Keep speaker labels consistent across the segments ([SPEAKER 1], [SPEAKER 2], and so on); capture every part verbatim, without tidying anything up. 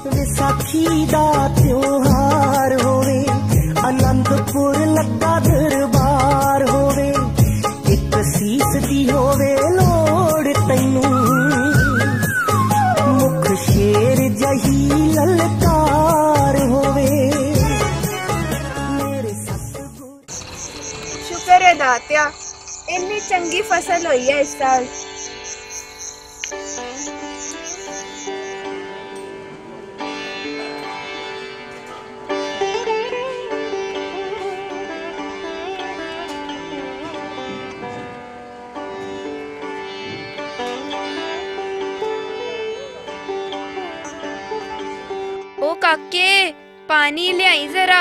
[SPEAKER 1] विसाखी दा त्योहार होवे, आनंदपुर लगा दरबार होवे, एक सीस दी होवे लोड़ तैनू, मुख शेर जही ललकार होवे।
[SPEAKER 2] शुक्र है दात्या, इन्नी चंगी फसल हुई है इस साल।
[SPEAKER 3] ओ काके, पानी ले आई जरा।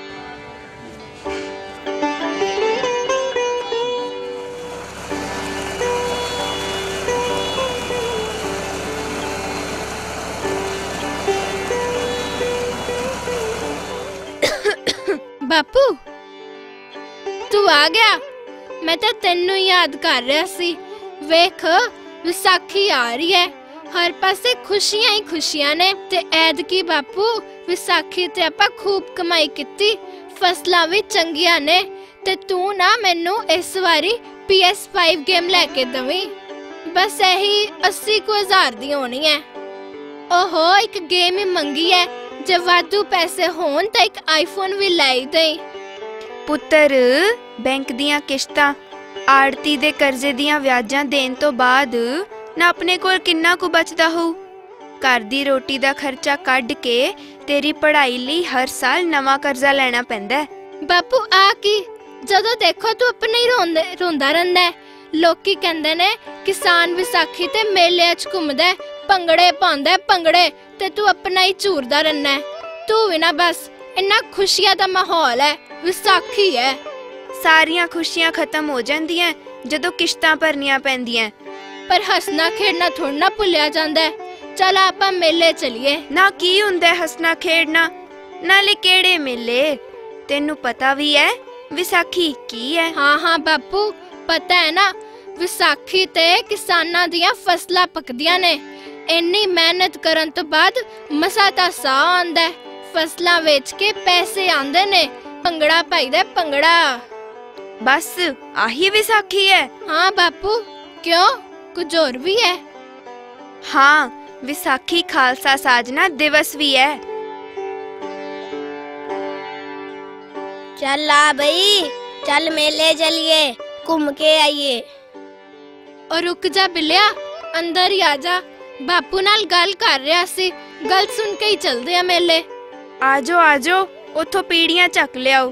[SPEAKER 4] बापू तू आ गया, मैं तो तेनू याद कर रहा सी। वेख विसाखी आ रही है, हर पासे खुशियां ही खुशियां ने। ते ऐदकी बापू विसाखी ते आपां खूब कमाई कीती, फसलां भी चंगियां ने। ते तू ना मैनू इस वारी पी एस फाइव गेम लैके दवी, बस यही अस्सी को हजार दी होनी है। ओहो एक गेम ही मंगी है, जे वाधू पैसे होन तो एक आईफोन भी लाई दे।
[SPEAKER 3] पुत्तर बैंक दियां किश्तां, आड़ती दे कर्जे दियां व्याजां देण तो बाद ना अपने कोल किन्ना कु बचदा हो। घर दी रोटी दा खर्चा कढ के तेरी पढ़ाई लई हर साल नवा कर्जा लेना पैंदा है।
[SPEAKER 4] बापू आ की जदों देखो तू अपने ही रोंदे रोंदा रहिंदा है। लोकी कहंदे ने किसान विसाखी ते मेले च घुमदा है, भंगड़े पाउंदा है भंगड़े, ते तू अपना ही झूरदा रहना है। तू भी ना बस, इन्ना खुशियां दा माहौल है, विसाखी है।
[SPEAKER 3] सारियां खुशियां खत्म हो जांदियां जदों किश्तां भरनियां पैंदियां,
[SPEAKER 4] पर हसना खेडना थोड़ा ना भुलिया जांदा है। चल आपां मेले चलिए।
[SPEAKER 3] ना की हुंदा है हसना खेडना, नाले केड़े मेले? तेनू पता भी है विसाखी की है?
[SPEAKER 4] हाँ हाँ बापू पता है ना, विसाखी ते किसानां दियां फसलां पकदियां ने। इन्नी मेहनत करन तो बाद मसा ता साह आंदा है, फसलां वेच के पैसे आंदे ने, भंगड़ा पाईदा है भंगड़ा।
[SPEAKER 3] बस आही विसाखी है?
[SPEAKER 4] हाँ बापू, क्यों कुछ और भी है?
[SPEAKER 3] हाँ, विसाखी खालसा साजना दिवस भी है।
[SPEAKER 5] चल आ भाई, चल मेले चलिए, घूम के आइए।
[SPEAKER 4] और रुक जा बिलिया, अंदर ही आ जा, बापू नाल गल कर रहा सी, गल सुन के ही चलदे आ मेले।
[SPEAKER 3] आजो आजो, उथों पीड़ियां चक लियाओ।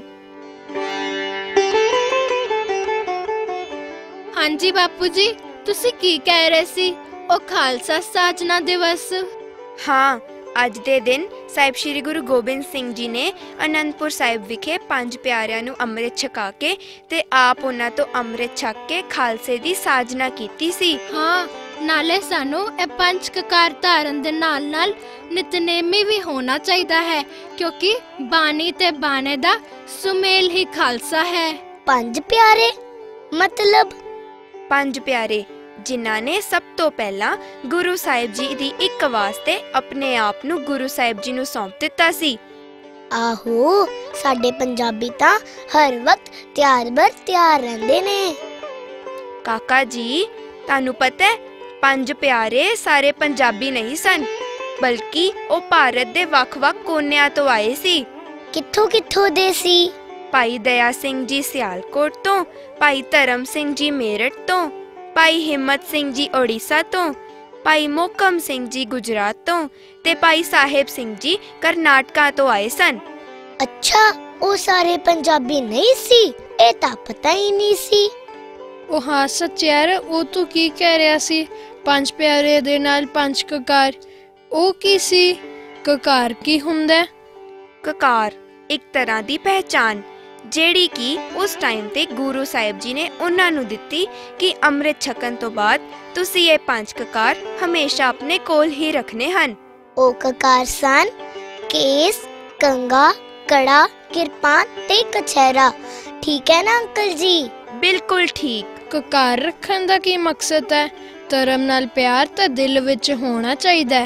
[SPEAKER 4] हाँ जी बापू जी, तुसी की कह रहे सी? ओ खालसा साजना दिवस।
[SPEAKER 3] हाँ, अज दे दिन साहिब श्री गुरु गोबिंद सिंह जी ने आनंदपुर साहिब विखे पंज प्यारियां नू अमृत छका के ते आप उन्हां तो अमृत छक के खालसे दी साजना कीती सी।
[SPEAKER 4] हाँ, नाले सानू ए पंज ककार धारन दे नाल नाल नितनेमी भी होना चाहिदा है, क्योंकि बानी ते बाने दा सुमेल ही खालसा है।
[SPEAKER 5] पंज प्यारे मतलब?
[SPEAKER 3] पंज प्यारे जिन्हां ने सब तो पहला गुरु साहिब जी दी एक वास्ते अपने आप नू गुरु साहिब जी नू सौंप दिता सी।
[SPEAKER 5] आहो, साडे पंजाबी तां हर वक्त त्यार बर त्यार रहंदे ने।
[SPEAKER 3] काका जी, तानू पता है पंज प्यारे सारे पंजाबी नहीं सन, बल्कि ओ भारत दे वख-वख कोनियां तो आए सी।
[SPEAKER 5] कित्थों कित्थों दे सी?
[SPEAKER 3] भाई दया सिंह जी सियालकोट तो, भाई धर्म सिंह जी मेरठ तो, भाई हिम्मत सिंह जी ओडिशा तो, भाई मोहकम सिंह जी गुजरात तो, ते भाई साहेब सिंह जी कर्नाटका तो आए सन।
[SPEAKER 5] अच्छा, ओ सारे पंजाबी नहीं सी? ए तां पता ही नहीं सी।
[SPEAKER 4] ओ हाँ सच यार, ओ तू की कह रहा सी? पंज प्यारे दे नाल पंज ककार, ओ की सी? ककार की हुंदा?
[SPEAKER 3] ककार एक तरह दी पहचान जेड़ी की उस टाइम ते गुरु साहिब जी ने उन्हां नू दित्ती कि अमृत छकन तो बाद तुसी ये पांच ककार हमेशा अपने कोल ही रखने हन।
[SPEAKER 5] ओ ककार सन केस, कंगा, कड़ा, किरपान ते कछहरा। ठीक है ना अंकल जी?
[SPEAKER 3] बिल्कुल ठीक।
[SPEAKER 4] ककार रखन दा की मकसद है? धर्म नाल प्यार तां दिल विच होना चाहिदा है।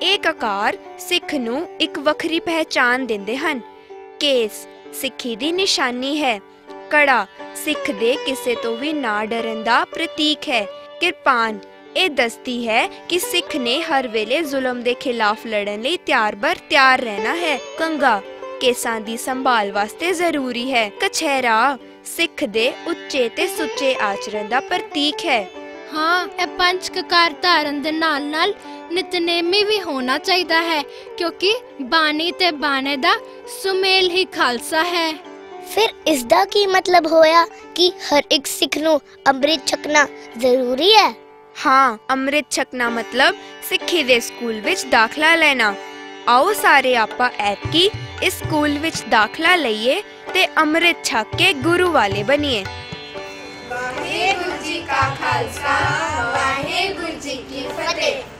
[SPEAKER 3] ਇਹ ਕਕਾਰ ਸਿੱਖ ਨੂੰ ਇੱਕ ਵੱਖਰੀ ਪਹਿਚਾਣ ਦਿੰਦੇ ਹਨ। ਕੇਸ ਸਿੱਖੀ ਦੀ ਨਿਸ਼ਾਨੀ ਹੈ। ਕੜਾ ਸਿੱਖ ਦੇ ਕਿਸੇ ਤੋਂ ਵੀ ਨਾ ਡਰਨ ਦਾ ਪ੍ਰਤੀਕ ਹੈ। ਕਿਰਪਾਨ ਇਹ ਦੱਸਦੀ ਹੈ ਕਿ ਸਿੱਖ ਨੇ ਹਰ ਵੇਲੇ ਜ਼ੁਲਮ ਦੇ ਖਿਲਾਫ ਲੜਨ ਲਈ ਤਿਆਰ ਬਰ ਤਿਆਰ ਰਹਿਣਾ ਹੈ। ਕੰਗਾ ਕੇਸਾਂ ਦੀ ਸੰਭਾਲ ਵਾਸਤੇ ਜ਼ਰੂਰੀ ਹੈ। ਕਛਹਿਰਾ ਸਿੱਖ ਦੇ ਉੱਚੇ ਤੇ ਸੁੱਚੇ ਆਚਰਣ ਦਾ ਪ੍ਰਤੀਕ ਹੈ।
[SPEAKER 4] ਹਾਂ, ਇਹ ਪੰਜ ਕਕਾਰ ਧਾਰਨ ਦੇ ਨਾਲ ਨਾਲ ਨਿਤਨੇਮੀ ਵੀ ਹੋਣਾ ਚਾਹੀਦਾ ਹੈ, ਕਿਉਂਕਿ ਬਾਣੀ ਤੇ ਬਾਣੇ ਦਾ ਸੁਮੇਲ ਹੀ ਖਾਲਸਾ ਹੈ।
[SPEAKER 5] ਫਿਰ ਇਸ ਦਾ ਕੀ ਮਤਲਬ ਹੋਇਆ ਕਿ ਹਰ ਇੱਕ ਸਿੱਖ ਨੂੰ ਅੰਮ੍ਰਿਤ ਛਕਣਾ ਜ਼ਰੂਰੀ ਹੈ?
[SPEAKER 3] ਹਾਂ, ਅੰਮ੍ਰਿਤ ਛਕਣਾ ਮਤਲਬ ਸਿੱਖੀ ਦੇ ਸਕੂਲ ਵਿੱਚ ਦਾਖਲਾ ਲੈਣਾ। ਆਓ ਸਾਰੇ ਆਪਾਂ ਐਤਕੀ ਇਸ ਸਕੂਲ ਵਿੱਚ ਦਾਖਲਾ ਲਈਏ ਤੇ ਅੰਮ੍ਰਿਤ ਛਕ ਕੇ ਗੁਰੂ ਵਾਲੇ ਬਣੀਏ।
[SPEAKER 2] ਵਾਹਿਗੁਰੂ ਜੀ ਕਾ ਖਾਲਸਾ, ਵਾਹਿਗੁਰੂ ਜੀ ਕੀ ਫਤਿਹ।